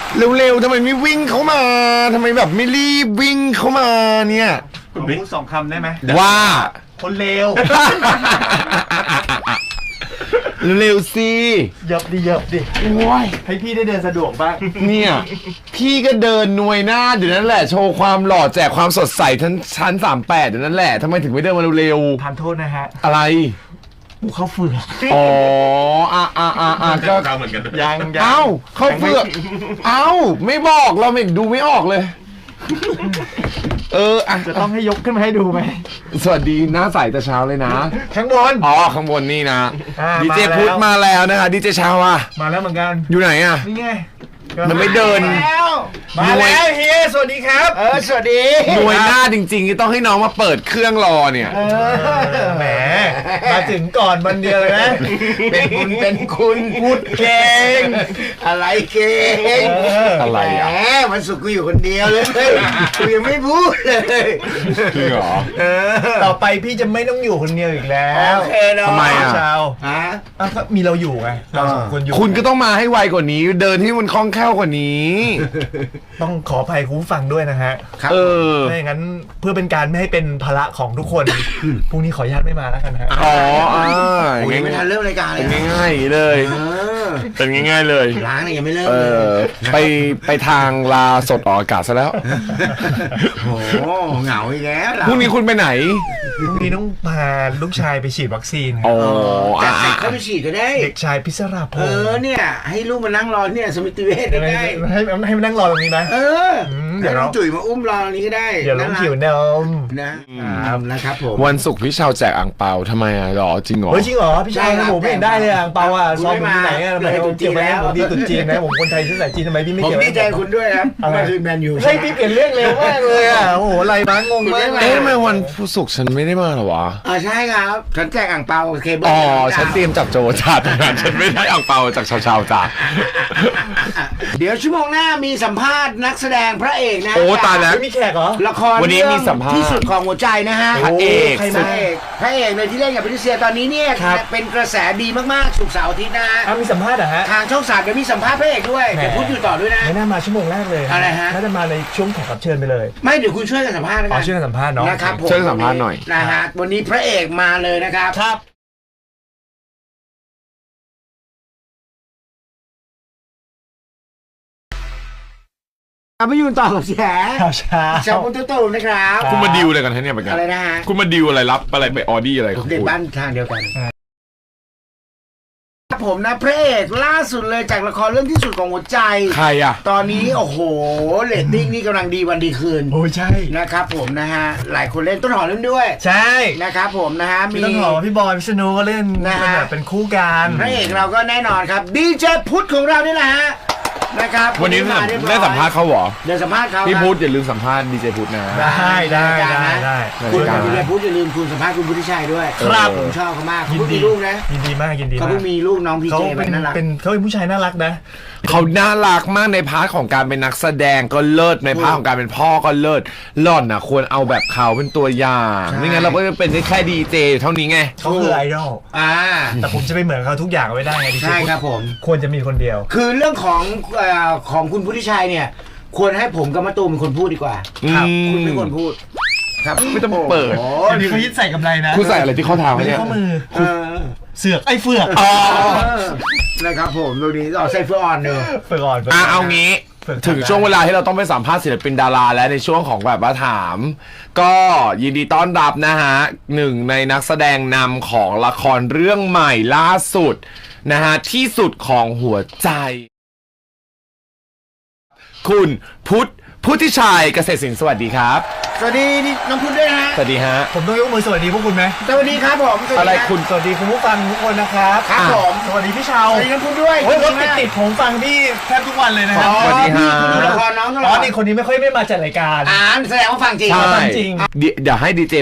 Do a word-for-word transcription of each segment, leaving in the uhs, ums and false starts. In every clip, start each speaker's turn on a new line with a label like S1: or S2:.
S1: เร็วๆทำไมไม่วิ่งเข้ามาทำไมแบบไม่รีบวิ่งเข้ามาเนี่ย
S2: ผมพูดสองคำได้ไหม
S1: ว่า
S2: คนเลว
S1: เร็วๆสิ
S2: เยับดิเยับดิโอ้ยให้พี่ได้เดินสะดวกบ้าง
S1: เนี่ยพี่ก็เดินหน่วยหน้าอยู่นั่นแหละโชว์ความหล่อแจกความสดใสทั้งชั้นสามแปดอยู่นั่นแหละทำไมถึงไม่เดินมาเร็ว
S2: ๆทานโทษนะฮะ
S1: อะไร
S2: หมูข้าวเฟือก
S1: อ๋ออ่ะอ่ะอ่ะอ่ะก็
S2: เหมือนกันยังยัง
S1: เอ้าข้าวเฟือกเอ้าไม่บอกเราไม่ดูไม่ออกเลยเอออ่ะ
S2: จะต้องให้ยกขึ้นมาให้ดูไหม
S1: สวัสดีหน้าใสแต่เช้าเลยนะ
S2: ข้างบน
S1: อ๋อข้างบนนี่นะดีเจพุทธมาแล้วนะคะดีเจเช้าอ่ะ
S2: มาแล้วเหมือนกัน
S1: อยู่ไหนอ่ะ
S2: นี่ไง
S1: มันไม่เดิน
S2: มาแล้วเฮียสวัสดีครับเออสวัสดี
S1: หน่วยหน้าจริงๆต้องให้น้องมาเปิดเครื่องรอเนี่ย
S2: แหมมาถึงก่อนวันเดียวเลยนะ
S1: เป็นคุณเป็นคุณ
S2: พูดเก่ง
S3: อะไรเก่ง
S1: อะไรอ่ะ
S3: แหมวันศุกร์กูอยู่คนเดียวเลยกูยังไม่พูดเลย
S1: จริงเหรอ
S2: ต่อไปพี่จะไม่ต้องอยู่คนเดียวอีกแล้ว
S3: โอเคเนาะ
S1: ทำไมอ่ะ
S2: ชาว
S3: ฮะ
S2: มีเราอยู่ไงเราสองคนอยู่
S1: คุณก็ต้องมาให้ไวกว่านี้เดินให้มันคล่องแคล่วกว่านี้
S2: ต้องขออภัยคุณผู้ฟังด้วยนะฮะ
S1: เออ
S2: ไม่อย่างนั้นเพื่อเป็นการไม่ให้เป็นภาระของทุกคนพรุ่งนี้ขออนุญาตไม่มาแล้วกันฮะ
S1: อ๋ออ่า
S3: ยังไม่ทันเริ่มรายการเลย
S1: เป็นง่ายๆเลยเป็นง่ายๆเลย
S3: ล้างเนี่ยยังไม่เริ่ม
S1: เลยไปไปทางลาสดออกอากาศซะแล้ว
S3: โอ้เหงาอีกแล้ว
S1: พรุ่งนี้คุณไปไหน
S2: พรุ่งนี้ต้องพาลูกชายไปฉีดวัคซีน
S1: อ๋อ
S3: แต่เด็กเขาไปฉีดก็ได้
S2: เด็กชายพิศราพงศ์
S3: เออเนี่ยให้ลูกมานั่งรอเนี่ยสมิติเวชได้
S2: ให้ให้มานั่งรอตรงนี้นะ
S3: เออเดี๋ยวน้องจุ๋ยมาอุ้มรอตรงนี้ก็ได้
S2: เดี๋ยวน้องผิวนม
S3: นะนะครับผม
S1: วันศุกร์พี่ชาวแจกอ่างเปาทำไมอ่ะหรอจริงเหรอ
S2: เฮ้ยจริงเหรอพี่ชาวผมไม่เห็นได้เลยอ่างเปาอ่ะซองที่ไหนอ่ะทำไมผมเกี่ยวกับผมดีตุนจีนนะผมคนไทยชื่อสายจีนทำไมพี่ไม่เกี่ยว
S3: ผมดีใจคุณด้วยครับมาคือแมนยู
S2: ใช่พี่เปลี่ยนเรื่องเร็วมากเลยอ่ะโอ้โหอะไรบ้างงงมาก
S1: เอ๊ะทำไมวันศุกร์ฉันไม่ได้มาหรอวะ
S3: อ่าใช่ครับฉันแจกอ่างเปาเคเบิล
S1: อ๋อฉันเตรียมจับโจจ่าตรงนั้นฉันไม่ได้อ่างเปาจากชาวชาวจ่า
S3: เดี๋ยวชั่วโมงหน้ามีสัมภาษณ์นักแสดงพระเอกนะ
S1: โอ้ตายแล้ว
S2: มีแขกเหรอ
S3: ละครวันนี้มีสัมภาษณ์ที่สุดของหัวใจนะฮะ
S1: พระเอก
S3: พระเอกพระเอกเลยที่เล่นกับพิเศษตอนนี้เนี่ยเป็นกระแสดีมากๆสุกเสาร์อาทิตย์นะฮะ
S2: มีสัมภาษณ์เหรอฮะ
S3: ทางช่องสามเดี๋ยวมีสัมภาษณ์พระเอกด้วยเดี๋ยวพูดอยู่ต่อด้วยนะ
S2: ไม่น่ามาชั่วโมงแรกเลย
S3: อะไรฮะ
S2: น่าจะมาในช่วงแขกรับเชิญไปเลย
S3: ไม่เดี๋ยวคุณช่วยกันสัมภาษณ์นะค
S2: รับอ๋อช่วยกันสัมภาษณ์เนาะ
S3: นะครับผม
S1: ช่วยสัมภาษณ์หน่อย
S3: นะฮะวันนี้พระเอกมาเลยนะครับ
S2: ครับ
S3: ไม่ยืนต่อกับแฉ
S2: ข่าวเช้า
S3: แฉคุณตุ้มนะครับ
S1: คุณมาดิวอะไรกันเนี่ยเหมือนกัน
S3: อะไรนะฮะ
S1: คุณมาดิวอะไรรับอะไรไปออดี้อะไร
S3: เด็กบ้านทางเดียวกันผมนะพระเอกล่าสุดเลยจากละครเรื่องที่สุดของหัวใจ
S1: ใครอ่ะ
S3: ตอนนี้โอ้โหเรตติ้งนี่กำลังดีวันดีคืน
S2: โอ้ใช่
S3: นะครับผมนะฮะหลายคนเล่นต้นหอมเล่นด้วย
S2: ใช่
S3: นะครับผมนะฮะ
S2: มีต้นหอมพี่บอยพิษณุก็เล่นนะฮะเป็นคู่กัน
S3: พระเอกเราก็แน่นอนครับดีเจพุทธของเรานี่แหละฮะนะครับ
S1: วันนี้ได้สัมภาษณ์เขาเหรอ
S3: ได้สัมภาษณ์เขา
S1: พี่พุทธอย่าลืมสัมภาษณ์ดีเจพุทธนะ
S2: ได้ได้ได้ได้
S3: คุณดีเจพุทธอย่าลืมคุณสัมภาษณ์คุณพุทธิชัยด้วย
S2: ครับ
S3: ผมชอบเขามากเขามีลูกนะ
S2: ยินดีมากยินดี
S3: เขาเพิ่งมีลูกน้องพีเจ
S2: เป็น
S3: น่ารัก
S2: เป็นเขาเป็นผู้ชายน่ารักนะ
S1: เขาน่ารักมากในพาร์ทของการเป็นนักแสดงก็เลิศในพาร์ทของการเป็นพ่อก็เลิศหล่อนนะควรเอาแบบเขาเป็นตัวอย่างไม่งั้นเราก็จะเป็นแค่ดีเจเท่านี้ไง
S2: เขาคือไอดอล
S3: อ่า
S2: แต่ผมจะไปเหมือนเขาทุกอย่างไม่ได้ไงดีเจ
S3: ใช่ครับผม
S2: ควรจะมีคนเดียว
S3: คือเรื่องของของคุณพุทธิชัยเนี่ยควรให้ผมกับมะตูมเป็นคนพูดดีกว่า
S1: ครับ
S3: คุณเป็นคนพูดครับ
S1: ไม่ต้องเปิด
S2: โอ้นี่เขายึดใส่กำไรนะ
S1: คุณใส่อะไรที่ข้อเท้า
S2: เนี่ยข้อมือเสือกไอ้เฟือก
S3: นะครับผมตรงนี้เอาใส่เฟือกอ่อนเนอะ
S2: เฟือกอ่อน
S1: อ่ะเอางี้ถึงช่วงเวลาที่เราต้องไปสัมภาษณ์ศิลปินดาราและในช่วงของแบบว่าถามก็ยินดีต้อนรับนะฮะหนึ่งในนักแสดงนำของละครเรื่องใหม่ล่าสุดนะฮะที่สุดของหัวใจคุณพุทธพุทธิชัยเกษตรศิลป์สวัสดีครับ
S3: สวัสดีน้องพุทธด้วยนะ
S1: สวัสดีฮะ
S2: ผมต้องยกมือสวัสดีพวกคุณไหม
S3: สวัสดีครับผม
S1: อะไรคุณ
S2: สวัสดีคุณผู้ฟังทุกคนนะครับ
S3: ครับผม
S2: สวัสดีพี่ชาว
S3: สวัสดีน้องพุทธด้วย
S2: โอ้ยรถติดติดผมฟังพี่แทบทุกวันเลยนะครับ
S1: สวัสดีฮะ
S3: คุณดูละครน้องตลอด
S2: อ๋อนี่คนนี้ไม่ค่อยไม่มาจัดรายการ
S3: อ่านแสดงว่าฟังจริง
S2: ฟังจริง
S1: เดี๋ยวให้ดีเจพุทธ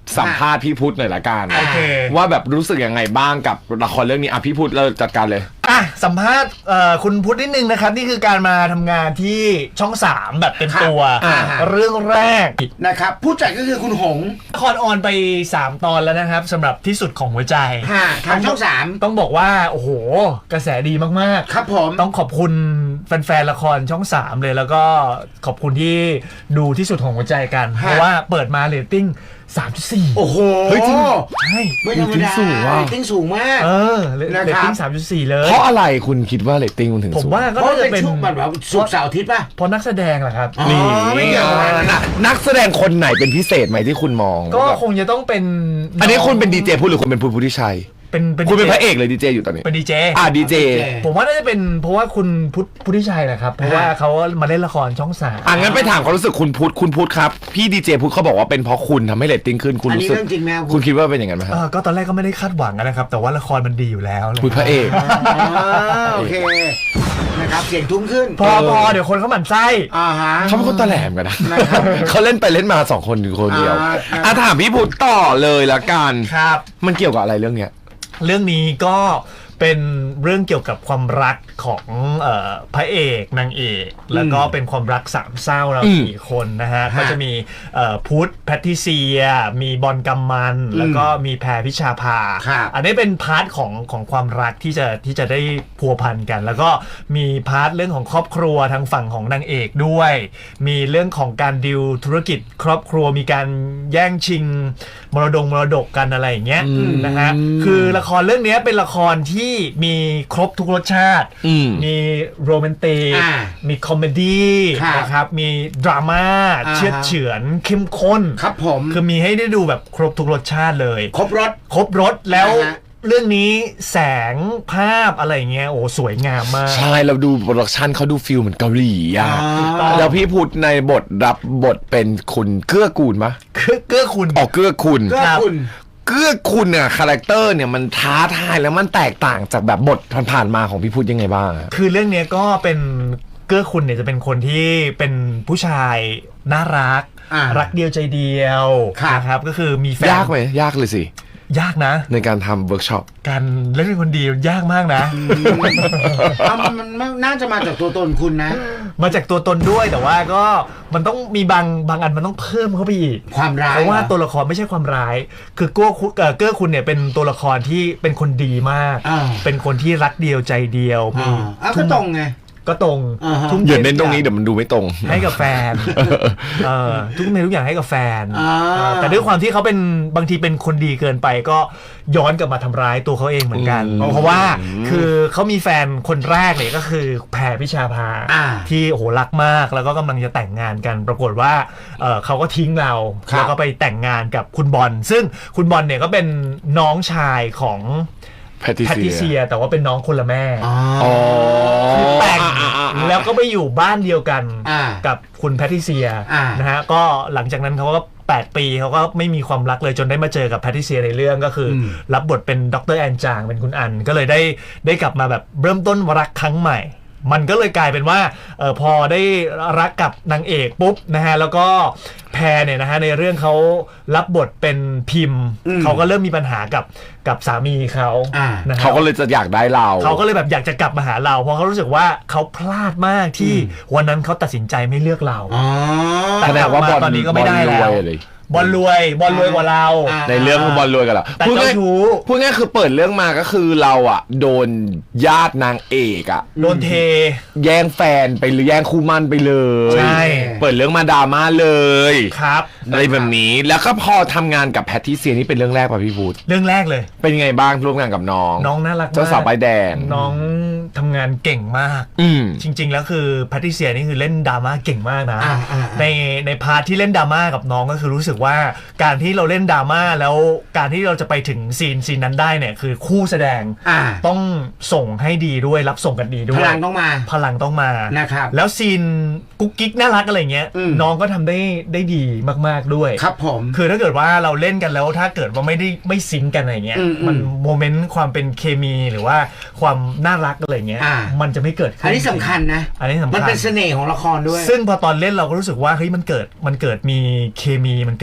S1: สัมภาษณ์พี่พุทธหน่อยละกัน
S2: โอเค
S1: ว่าแบบรู้สึกยังไงบ้างกับละครเรื่องนี้อ่ะพี่พุทธเราจัดการเลย
S2: อ่ะสัมภาษณ์เอ่อคุณพุทธนิดนึงนะครับนี่คือการมาทำงานที่ช่องสามแบบเต็มตัว
S3: อ่า
S2: เรื่องแรก
S3: นะครับผู้จัดก็คือคุณหง
S2: ละครออนไปสามตอนแล้วนะครับสำหรับที่สุดของหัวใจ
S3: ค่ะทางช่องสาม
S2: ต้องบอกว่าโอ้โหกระแสดีมากๆ
S3: ครับผม
S2: ต้องขอบคุณแฟนๆละครช่องสามเลยแล้วก็ขอบคุณที่ดูที่สุดของหัวใจกัน
S3: ฮะ
S2: เพราะว่าเปิดมาเรตติ้ง สามจุดสี่
S3: โอ้โห
S1: เฮ้ยจริง
S2: ใช่
S3: ไม่ธรรมดา
S1: เรตติ้งสูงว่ะ
S3: เรตติ้งสูงมาก
S2: เออเร
S3: นะครับ
S2: เรตติ้ง สามจุดสี่ เลย
S1: เพราะอะไรคุณคิดว่าเรตติ้งมันถึง
S2: ผม
S1: สูง
S2: ว่าก็
S3: เพราะ
S2: น่าจะ
S3: เป็
S2: เป็น น
S3: ช่วงแบบว่าศุกร์เสาร์อาทิตย์ป่ะ
S2: เพราะนักแสดงแหละครับ
S3: อ๋อ
S1: นี่
S3: ไม่เกี่ยวกัน
S1: นักนักแสดงคนไหนเป็นพิเศษไหมที่คุณมอง
S2: ก็
S1: แบบ
S2: คงจะต้องเป็น
S1: อันนี้คุณเป็นดีเจพูดหรือคุณเป็นพูดพุทธิชัย
S2: เป็นเป็น
S1: คุณเป็นพระเอกเลยดีเจอยู่ตอนนี้
S2: เป็นดีเจ
S1: อ่ะดีเจ
S2: ผมว่าน่าจะเป็นเพราะว่าคุณพุทธพุทธิชัยแหละครับเพราะว่าเขามาเล่นละครช่องสาม
S1: อ่ะงั้นไปถามความรู้สึกคุณพุทธคุณพุทธครับพี่ดีเจพุทธเขาบอกว่าเป็นเพราะคุณทำให้เรตติ้งขึ้นคุณ
S3: อันนี้
S1: รู้สึก
S3: เรื่องจริงไหมครับ
S1: คุณคิดว่าเป็นอย่างนั้นไหมค
S2: เอ
S1: รับ
S2: อก็ตอนแรกก็ไม่ได้คาดหวังนะครับ แต่ว่าละครมันดีอยู่แล้วเลย
S1: คุณพระเอก
S3: อ๋อโอเคนะครับเสียงทุ้มขึ้น
S2: พอพอเดี๋ยวคนเขาหมั่นไส้
S3: อ่าฮะ
S1: เขาเป็นคนตะแหลมกันนะ
S3: นะครับ
S1: เขาเล่นไปเล่นมาสองคนอยู่คนเดียว
S3: อ่า
S1: อ่ะถามพี่พุทธต่อเลยละกัน
S2: ครับ
S1: มันเกี่ยวกับอะไรเรื่องเนี้ย
S2: เรื่องนี้ก็เป็นเรื่องเกี่ยวกับความรักของเออพระเอกนางเอกแล้วก็เป็นความรักสามเศร้าเรา
S1: อืม
S2: สี่คนนะฮะก็จะมีเอ่อพุทธแพทริเซีย มีบอลกัมมัน แล้วก็มีแพรพิชาภา
S3: ครับ
S2: อันนี้เป็นพาร์ทของของความรักที่จะที่จะได้พัวพันกัน แล้วก็มีพาร์ทเรื่องของครอบครัวทางฝั่งของนางเอกด้วย มีเรื่องของการดิวธุรกิจครอบครัวมีการแย่งชิงมรดงมรดกกันอะไรอย่างเงี้ย
S1: อืม
S2: นะฮะคือละครเรื่องนี้เป็นละครที่มีครบทุกรสชาติ
S1: อืม
S2: มีโรแมนติก
S3: อ่า
S2: มีคอมเมดี้
S3: ครับ
S2: นะครับ มีดราม่า
S3: อ่าฮะ
S2: เชือดเฉือนเข้มข้น
S3: ครับผม
S2: คือมีให้ได้ดูแบบครบทุกรสชาติเลย
S3: ครบรถ
S2: ครบรสแล้ว
S3: อ่าฮะ
S2: เรื่องนี้แสงภาพอะไรเงี้ยโอ้สวยงามมาก
S1: ใช่เราดูโปรดักชันเขาดูฟิลเหมือนเกาหลีอ่ะ
S3: อ่า
S1: แล้วพี่พุทธในบทรับบทเป็นคุณเกื้อกูลปะ
S2: เกื้อเกื้อคุณ
S1: ออกเกื้อคุณ
S3: ก็คุณ
S1: เกื้อคุณเนี่ยคาแรคเตอร์เนี่ยมันท้าทายแล้วมันแตกต่างจากแบบบทผ่านๆมาของพี่พุทธยังไงบ้างอะ
S2: คือเรื่องเนี้ยก็เป็นเกื้อคุณเนี่ยจะเป็นคนที่เป็นผู้ชายน่ารัก
S3: อ่ารั
S2: รักเดียวใจเดียว
S3: ครับ
S2: นะครับก็คือมีแฟน
S1: ยากไหมยากเลยสิ
S2: ยากนะ
S1: ในการทำเวิร์กช็อป
S2: การเล่นเป็นคนดียากมากนะ
S3: เอามันมันมันน่าจะมาจากตัวตนคุณนะ
S2: มาจากตัวตนด้วยแต่ว่าก็มันต้องมีบางบางอันมันต้องเพิ่มเข้าไปอีก
S3: ความร้าย
S2: เพราะว่า
S3: หอ
S2: ตัวละครไม่ใช่ความร้าย คือเกื้อคุณเอ่อเกื้อคุณเนี่ยเป็นตัวละครที่เป็นคนดีมาก
S3: อ่า
S2: เป็นคนที่รักเดียวใจเดียวมี
S3: อ่าอ้าวก็ตรงไง
S2: ก็ตรง
S3: อ่าฮะ
S2: ทุ่ม
S1: อย่า
S2: เท
S1: เน้นตรงนี้
S2: ทุก
S1: เดี๋ยวมันดูไม่ตรง
S2: อย่างให้กับแฟนเออทุกเมทุกอย่างให้กับแฟน
S3: อ่า
S2: เออแต่ด้วยความที่เขาเป็นบางทีเป็นคนดีเกินไปก็ย้อนกลับมาทำร้ายตัวเขาเองเหมือนกัน
S1: อืม
S2: เพราะว่าคือเขามีแฟนคนแรกเนี่ยก็คือแพรพิชาภา
S3: อ่า
S2: ที่โอ้โหรักมากแล้วก็กำลังจะแต่งงานกัน ปรากฏว่าเอ่อเขาก็ทิ้งเรา
S3: ครับ
S2: แล้วก็ไปแต่งงานกับคุณบอลซึ่งคุณบอลเนี่ยก็เป็นน้องชายของ
S1: แพทริ
S2: แพทริ
S1: เซี
S2: เซี
S1: ย
S2: ย แต่ว่าเป็นน้องคนละแม่
S3: อ๋อ
S1: อ๋อ
S2: คือแต่ง
S1: อ่าอ่าอ่า
S2: แล้วก็ไปอยู่บ้านเดียวกัน
S3: อ่า
S2: กับคุณแพทริเซีย
S3: อ่าน
S2: นะฮะก็หลังจากนั้นเขาก็แปดปีเขาก็ไม่มีความรักเลยจนได้มาเจอกับแพทริเซียในเรื่องก็คืออ
S3: ม
S2: รับบทเป็นดรแอนจางเป็นคุณอันก็เลยได้ได้กลับมาแบบเริ่มต้นรักครั้งใหม่ มันก็เลยกลายเป็นว่าเออพอได้รักกับนางเอกปุ๊บนะฮะแล้วก็แพรเนี่ยนะฮะในเรื่องเขารับบทเป็นพิมพ์
S3: อืม
S2: เขาก็เริ่มมีปัญหากับกับสามีเขา
S3: อ่า
S2: นะฮะ
S1: เขาก็เลยจะอยากได้เรา
S2: เขาก็เลยแบบอยากจะกลับมาหาเรา เพราะเขารู้สึกว่าเขาพลาดมากที่วันนั้นเขาตัดสินใจไม่เลือกเรา
S3: อ๋อ
S2: แต่
S1: แสดงว่าบอล
S2: ตอนนี้ก็ไม่ได้
S1: บอลร
S2: แล้ว
S1: วยเลย
S2: บอลรวยบอลรวยกว่าเรา
S3: อ่า
S1: ในเรื่องคือบอลรวยกันเหรอ
S2: แต่
S1: พูด
S2: เจ้า
S1: ง่าย
S2: ชู้
S1: พูดง่ายคือเปิดเรื่องมาก็คือเราอ่ะ โดนญาตินางเอกอ่ะ
S2: โดนเท
S1: แย่งแฟนไปหรือแย่งคู่มั่นไปเลย
S2: ใช่
S1: เปิดเรื่องมาดราม่าเลย
S2: ครับ
S1: อะไรแบบนี้แล้วก็พอทำงานกับแพทริเซียนี่เป็นเรื่องแรกป่ะพี่พูด
S2: เรื่องแรกเลย
S1: เป็นยังไงบ้างร่วมงานกับน้อง
S2: น้องน่ารักมาก
S1: เจ้าสาวใบแดง
S2: น้องทำงานเก่งมาก
S1: อืม
S2: จริง ๆ แล้วคือแพทริเซียนี่คือเล่นดราม่าเก่งมากนะ
S3: อ่าอ่าอ่า
S2: ในในพาร์ทที่เล่นดราม่ากับน้องก็คือรู้สึกว่าการที่เราเล่นดราม่าแล้วการที่เราจะไปถึงซีนซีนนั้นได้เนี่ยคือคู่แสดง
S3: อ่า
S2: ต้องส่งให้ดีด้วยรับส่งกันดีด้
S3: พ
S2: วย
S3: ลังต้องมา
S2: พลังต้องมา
S3: นะครับ
S2: แล้วซีนกุ๊กกิ๊กน่ารักอะไรเงี้ย
S3: อืม
S2: น้องก็ทำได้ได้ดีมากๆด้วย
S3: ครับผม
S2: คือถ้าเกิดว่าเราเล่นกันแล้วถ้าเกิดว่าไม่ได้ไม่ซิงค์กันอะไรเงี้ย
S3: อืมอืม
S2: มันโมเมนต์ความเป็นเคมีหรือว่าความน่ารักอะไรเงี้ย
S3: อ่า
S2: มันจะไม่เกิดขึ้น
S3: อันนี้สำคัญนะ
S2: อันนี้สำคัญ
S3: มันเป็นเสน่ห์ของละครด้วย
S2: ซึ่งพอตอนเล่นเราก็รู้สึกว่าเฮ้ยมันเกิดมันเกิดมีเคมีมันเกิด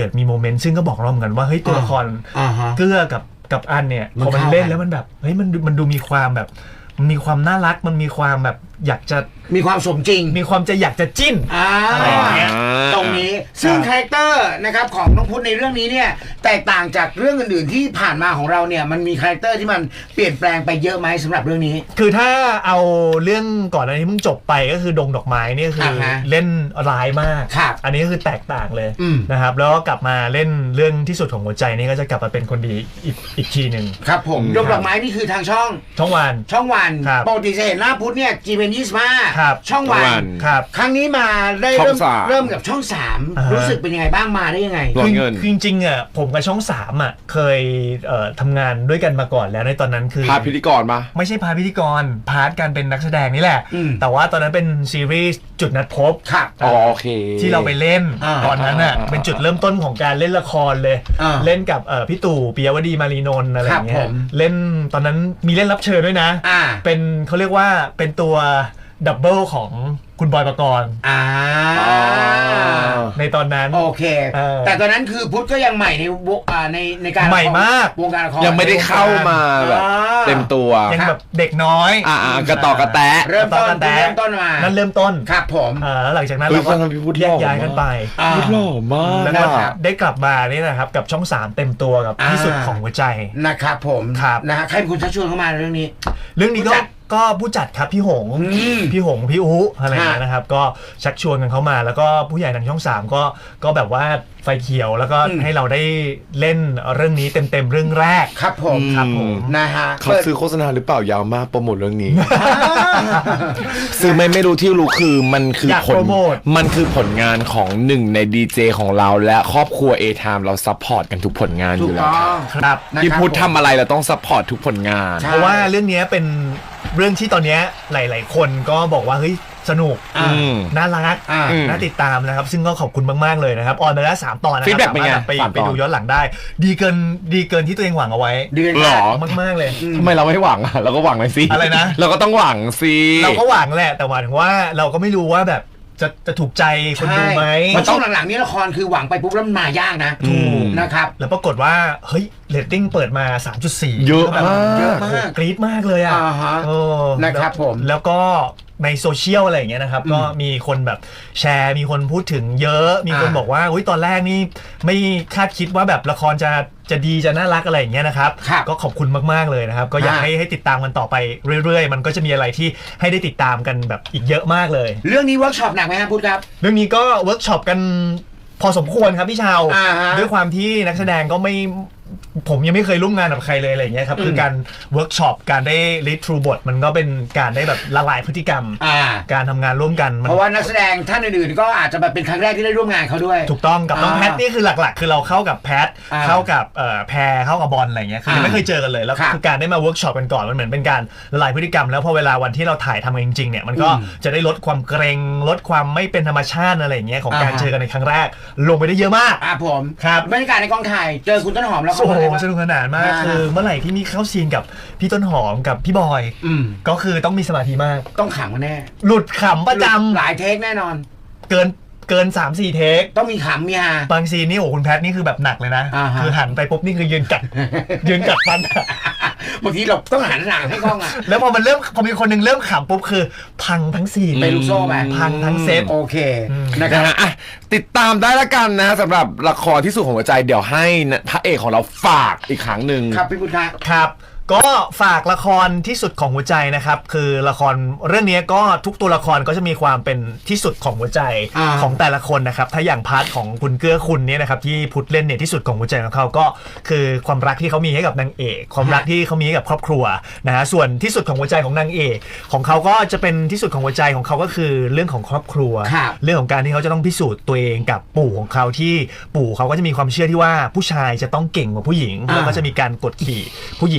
S2: กิดมีโมเมนต์ซึ่งก็บอกเราเหมือนกันว่าเฮ้ยตัวละคร
S3: อ่าฮะ
S2: เกื้อกับกับอันเนี่ยพอมันเล่นแล้วมันแบบเฮ้ยมันมันดูมีความแบบมันมีความน่ารักมันมีความแบบอยากจะ
S3: มีความสมจริง
S2: มีความจะอยากจะจิ้น
S3: อ่า
S2: อะไรอย่างเงี้ย
S3: ตรงนี้ซึ่งคาแรคเตอร์นะครับของน้องพุทธในเรื่องนี้เนี่ยแตกต่างจากเรื่องอื่นๆที่ผ่านมาของเราเนี่ยมันมีคาแรคเตอร์ที่มันเปลี่ยนแปลงไปเยอะไหมสำหรับเรื่องนี้
S2: คือถ้าเอาเรื่องก่อนอันนี้เพิ่งจบไปก็คือดงดอกไม้เนี่ยคือ
S3: อ่าฮะ
S2: เล่นร้ายมาก
S3: ครับ
S2: อันนี้ก็คือแตกต่างเลย
S3: อืม
S2: นะครับแล้วก็กลับมาเล่นเรื่องที่สุดของหัวใจนี่ก็จะกลับมาเป็นคนดีอีกอีกทีหนึ่ง
S3: ครับผม
S1: อืม
S3: ดงดอกไม้นี่คือทางช่อง
S2: ช่องวัน
S3: ช่องวัน
S2: ครับ
S3: ปกติจะเห็นหน้าพุทธเนี่ยจีเป็นยี่สิบห้า
S2: ครับ
S3: ช่องวัน
S1: ช่องวัน
S2: ครับ
S3: ครั้งนี้มาได้
S1: ช่อง
S3: เริ่ม
S1: สาม
S3: เริ่มกับช่องสาม
S2: อ่าฮะ
S3: รู้สึกเป็นยังไงบ้างมาได้ยังไง
S1: ร้อน
S2: คือ
S1: เงิน
S2: คือจริงๆอ่ะผมกับช่องสามอ่ะเคยเอ่อทำงานด้วยกันมาก่อนแล้วในตอนนั้นคือ
S1: พาพิธีกรมา
S2: ไม่ใช่พาร์ทพิธีกรพาร์ทการเป็นนักแสดงนี่แหละ
S3: อืม
S2: แต่ว่าตอนนั้นเป็นซีรีส์จุดนัดพบ
S3: ครับ
S1: อ๋อโอเค
S2: ที่เราไปเล่น
S3: อ่า
S2: ตอนนั้นอ่ะ
S1: อ่า
S2: เป็นจุดเริ่มต้นของการเล่นละครเลย
S3: อ่า
S2: เล่นกับเอ่อพี่ตู่ปิยวดีมารีนนท์อะไรอย่างเงี้
S3: ครับ
S2: ย
S3: ผม
S2: เล่นตอนนั้นมีเล่นรับเชิญด้วยนะ
S3: อ่า
S2: เป็นเขาเรียกว่าเป็นตัวดับเบิลของคุณบอยปกรณ์
S3: อ่า
S1: อ๋อ
S2: ในตอนนั้น
S3: โอเค
S2: เออ
S3: แต่ตอนนั้นคือพุทธก็ยังใหม่ในวงอ่าในในการ
S2: ใหม่มาก
S3: วงการละคร
S1: ยังไม่ได้เข้ามาแบบ
S3: อ่า
S1: เต็มตัว
S2: ยังแบบเด็กน้อย
S1: อ่ากระต่อกระแตะ
S3: เริ่มต้น
S2: ตอนแต่
S3: เริ่มต้นมา
S2: นั่นเริ่มต้น
S3: ครับผม
S2: อ่าแล้วหลังจากนั้น
S1: เฮ้ย
S2: เราก็
S1: ตอนนั้นพี่พูด
S2: แย
S1: หล่
S2: ก
S1: อ
S2: ย้ายกันไป
S3: อ่า
S1: พูดหล่อมาก
S2: แล้วก็
S3: ครับ
S2: ได้กลับมานี่นะครับกับช่องสามเต็มตัวกับ
S3: อ่า
S2: ที่สุดของหัวใจ
S3: นะครับผม
S2: ครับ
S3: นะฮะใครเป็นคนชักชวนเข้ามาในเรื่องนี้
S2: เรื่องนี้
S3: ผู้
S2: ก็
S3: จัด
S2: ก็ผู้จัดครับพี่หง
S3: อืม
S2: พี่หงพี่อุอะไรอย่างเงี้ย
S3: ฮะ
S2: นะครับก็ชักชวนกันเข้ามาแล้วก็ผู้ใหญ่ทางช่องสามก็ก็แบบว่าไฟเขียวแล้วก็
S3: อืม
S2: ให้เราได้เล่นเรื่องนี้เต็มๆเรื่องแรก
S3: ครับผม
S2: ครับผม
S3: นะฮะ
S1: เขาซื้อโฆษณาหรือเปล่ายาวมากโปรโมทเรื่องนี้
S3: อ่า
S1: ซื้อไม่ไม่รู้ที่รู้คือมันคือ
S2: อยาก
S1: ผล
S2: โปรโมท
S1: มันคือผลงานของหนึ่งในดีเจของเราและครอบครัว A-Time เราซัพพอร์ตกันทุกผลงานอ
S3: ถูก
S1: ยู่แล้ว
S3: ต้อง
S2: ครับ
S3: นะครับ
S1: พี่พุทธ
S3: ผม
S1: ทำอะไรเราต้องซัพพอร์ตทุกผลงาน
S3: ใช่
S2: เพราะว่าเรื่องนี้เป็นเรื่องที่ตอนเนี้ยหลาย ๆ คนก็บอกว่าเฮ้ยสนุก
S3: อ่า
S1: อืม
S2: น่ารัก
S3: อ่า
S2: น่าติดตามนะครับ ซึ่งก็ขอบคุณมาก ๆ เลยนะครับ ออนไปแล้วสามตอนนะครั
S1: Feedback เป็นไง
S2: สามารถไป
S1: สามตอน
S2: ไปดูย้อนหลังได้ ดีเกินดีเกินที่ตัวเองหวังเอาไว้
S3: เดือน
S1: หรอ
S2: มาก ๆ เลย
S1: ทำไมเราไม่หวังอ่ะเราก็หวังเลยสิ
S2: อะไรนะ
S1: เราก็ต้องหวังสิ
S2: เราก็หวังแหละ แต่หมายถึงว่าเราก็ไม่รู้ว่าแบบจะจะถูกใจคนดูไหม
S3: เพราะช่วงหลังๆนี้ละครคือหวังไปปุ๊บแล้วมันมายากนะ
S1: ถูก
S3: นะครับ
S2: แล้วปรากฏว่าเฮ้ยเรตติ้งเปิดมา สามจุดสี่
S1: เยอะ
S2: ก็แบบ
S1: มาก
S3: เยอะ
S2: โอ้
S3: มาก
S2: โหกรี๊ดมากเลยอ่ะ
S3: อ่าฮะ
S2: เออ
S3: นะครับผม
S2: แล้วก็ในโซเชียลอะไรอย่างเงี้ยนะครับ ก็มีคนแบบแชร์มีคนพูดถึงเยอะ มีคน
S3: อ่า
S2: บอกว่าอุ้ยตอนแรกนี่ไม่คาดคิดว่าแบบละครจะจะดีจะน่ารักอะไรอย่างเงี้ยนะครับ
S3: ครับ
S2: ก็ขอบคุณมากๆเลยนะครับ ก็อยาก
S3: อ่า
S2: ให้ให้ติดตามกันต่อไปเรื่อยๆ มันก็จะมีอะไรที่ให้ได้ติดตามกันแบบอีกเยอะมากเลย
S3: เรื่องนี้เวิร์กช็อปหนักไหมครับพุทธครับ
S2: เรื่องนี้ก็เวิร์กช็อปกันพอสมควรครับพี่ชาว
S3: อ่าฮะ
S2: ด้วยความที่นักแสดงก็ไม่ผมยังไม่เคยร่วมงานกับใครเลยอะไรอย่างเงี้ยครับ
S3: อืม
S2: คือการเวิร์กช็อปการได้รีดทรูบทมันก็เป็นการได้แบบละลายพฤติกรรม
S3: อ่า
S2: การทำงานร่วมกันมัน
S3: เพราะว่านักแสดงท่านอื่นๆก็อาจจะแบบเป็นครั้งแรกที่ได้ร่วมงานเขาด้วย
S2: ถูกต้องกับน้อง
S3: อ่า
S2: แพทนี่คือหลักๆ คือเราเข้ากับแพท
S3: อ่า
S2: เข้ากับเอ่อแพรเข้ากับบอลอะไรเงี้ยคือยัง
S3: อ่า
S2: ไม่เคยเจอกันเลยแล้ว
S3: ครับ
S2: คือการได้มาเวิร์กช็อปกันก่อนมันเหมือนเป็นการละลายพฤติกรรมแล้วพอเวลาวันที่เราถ่ายทำกันจริงๆเนี่ยมันก็
S3: อืม
S2: จะได้ลดความเกรงลดความไม่เป็นธรรมชาติอะไรอย่างเงี้ยของการ
S3: อ่าฮะ
S2: เจอกันในครั้งแรกลงไปได้เยอะมาก
S3: อ่าผม
S2: ครับ
S3: บรรยากาศในกองถ่ายเจอคุณต้นหอมแล้ว
S2: โอ้โห
S3: เขาบอก
S2: ส
S3: ว่า
S2: นุกสนานมาก
S3: อ่า
S2: คือเมื่อไหร่ที่มีเข้าซีนกับพี่ต้นหอมกับพี่บอย
S3: อืม
S2: ก็คือต้องมีสมาธิมาก
S3: ต้องขำกันแน่
S2: หลุดขำประจำ
S3: หลายเทคแน่นอน
S2: เกินเกิน สามสี่ เทค
S3: ต้องมีขำมีฮา
S2: บางซีนนี่โอ้คุณแพทนี่คือแบบหนักเลยนะ
S3: อ่าฮะ
S2: คือหันไปปุ๊บนี่คือยืนกัด ยืนกัดฟันอะ
S3: บางทีเราต้องหันหลังให้กล้องอ่ะ
S2: แล้วพอมันเริ่มพอมีคนหนึงเริ่มขำปุ๊บคือพังทั้งซีน
S3: เป็นลูกโซ่ไป
S2: พังทั้งเซต
S3: โอเค
S2: อืม
S3: นะครั
S1: นะ
S3: บ
S1: ฮะอ่ะติดตามได้ละกันนะสำหรับละครที่สุดของหัวใจเดี๋ยวให้พระเอกของเราฝากอีกครั้งหนึ่ง
S3: ครับพี่พุทธะ
S2: ครับ ก็ฝากละครที่สุดของหัวใจนะครับคือละครเรื่องนี้ก็ทุกตัวละครก็จะมีความเป็นที่สุดของหัวใจ
S3: อ่า
S2: ของแต่ละคนนะครับถ้าอย่างพาร์ทของคุณเกื้อคุณเนี่ยนะครับที่พุทธเล่นเนี่ยที่สุดของหัวใจของเขาก็คือความรักที่เขามีให้กับนางเอกความรักที่เขามีให้กับครอบครัวนะฮะส่วนที่สุดของหัวใจของนางเอกของเขาก็จะเป็นที่สุดของหัวใจของเขาก็คือเรื่องของครอบครัว
S3: ครับ
S2: เรื่องของการที่เขาจะต้องพิสูจน์ตัวเองกับปู่ของเขาที่ปู่เขาก็จะมีความเชื่อที่ว่าผู้ชายจะต้องเก่งกว่าผู้หญิง
S3: อ่า
S2: แล้วก็จะมีการกดขี่ผู้หญิงในบ้าน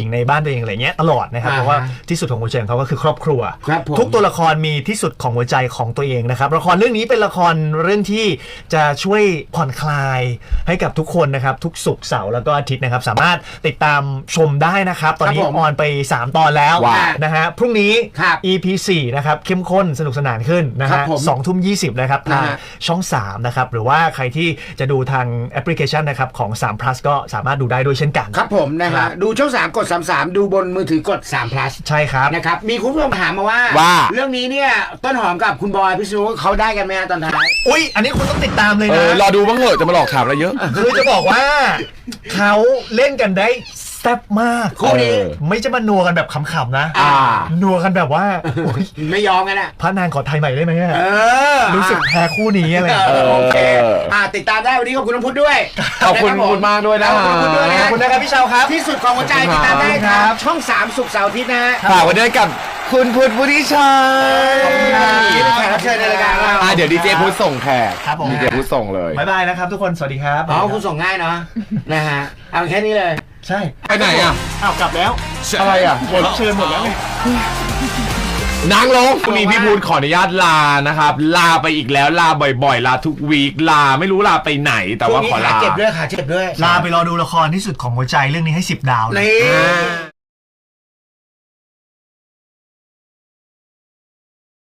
S2: ตัวเองอะไรเงี้ยตลอดนะครับ
S3: อ่า
S2: เพราะว่าที่สุดของหัวใจของเขาก็คือครอบครัว
S3: ครับผม
S2: ทุกตัวละครมีที่สุดของหัวใจของตัวเองนะครับละครเรื่องนี้เป็นละครเรื่องที่จะช่วยผ่อนคลายให้กับทุกคนนะครับทุกศุกร์เสาร์แล้วก็อาทิตย์นะครับสามารถติดตามชมได้นะครับตอนนี้
S3: ครับผม
S2: ออนไปสามตอนแล้ว
S3: ว้าว
S2: นะฮะพรุ่งนี้
S3: ครับ
S2: อี พี สี่นะครับเข้มข้นสนุกสนานขึ้นนะ
S3: ครั
S2: ฮะ
S3: บผม
S2: สองทุ่มยี่สิบนะครับทาง
S3: นะฮะ
S2: ช่องสามนะครับหรือว่าใครที่จะดูทางแอปพลิเคชันนะครับของสาม plus ก็สามารถดูได้ด้วยเช่นกัน
S3: ครับผมนะ
S2: ครั
S3: ฮะ
S2: บ
S3: ดูช่องสามกดสามสามดูบนมือถือกดสาม plus
S2: ใช่ครับ
S3: นะครับมีคุณผู้ชมถามมาว่า
S1: ว่า
S3: เรื่องนี้เนี่ยต้นหอมกับคุณบอยพิษณุเขาได้กันไหมฮะตอนท้าย
S2: อุ๊ยอันนี้คุณต้องติดตามเลย
S1: เอ
S2: นะ
S1: อรอดูบ้างเหอะจะมาหลอกถามอะไรเยอะ
S2: คือจะบอกว่าเขาเล่นกันได้แซ่บมาก
S3: คู่นี้
S1: เออ
S2: ไม่จะมานัวกันแบบขำๆนะ
S3: อ่า
S2: นัวกันแบบว่าโอ๊ย
S3: ไม่ยอมกันอ่ะ
S2: พระนางขอไทยใหม่ได้ไหมอะ
S3: เออ
S2: รู้สึกแพ้คู่นี้อะไรอย่าง
S3: เอ
S2: เงี้ย
S3: อโอเคอ่าติดตามได้วันนี้ขอบคุณน้องพุทธด้วย
S1: ขอบคุณ
S3: นะรั
S1: คุณมากด้วยนะ
S3: ขอบคุณน้องพุทธด้วยนะ
S2: ขอบคุณนะครับพี่เชาวครับ
S3: ที่สุดของหัวใจติดตามได้ครับ ช่องสามศุกร์เสาร์อาทิตย์นะฮะ
S1: ฝากไว้ด้วยกับคุณพุทธวุฒิชัย
S3: ขอบคุณครับนี่เป็นแขกรับเชิญในรายการของเรา
S1: อ่ะเดี๋ยวดีเจพุทธส่งแขก
S2: ครับผม
S1: ดีเจพุทธส่งเลย
S2: บ๊ายบายนะครับทุกคนสวัสดีครับ
S3: อ๋อคุณส่งง่ายเนาะนะฮะเอาแค่นี้เลย
S2: ใช่
S1: ไปไหนอ่ะ
S2: อ้าวกลับแล้ว
S1: อะไรอ่ะ
S2: หมดรับเชิญหมดแล้วไง
S1: นางลงวันนี้พี่พูดขออนุญาตลานะครับ ลาไปอีกแล้วลาบ่อยๆ ลาทุกวีคลาไม่รู้ลาไปไหนแต่ว่าขอ
S3: ขา
S1: ลา
S3: เจ็บด้วยขาเจ็บด้วย
S2: ลาไปรอดูละครที่สุดของหัวใจเรื่องนี้ให้สิบดาวเลย
S3: นี่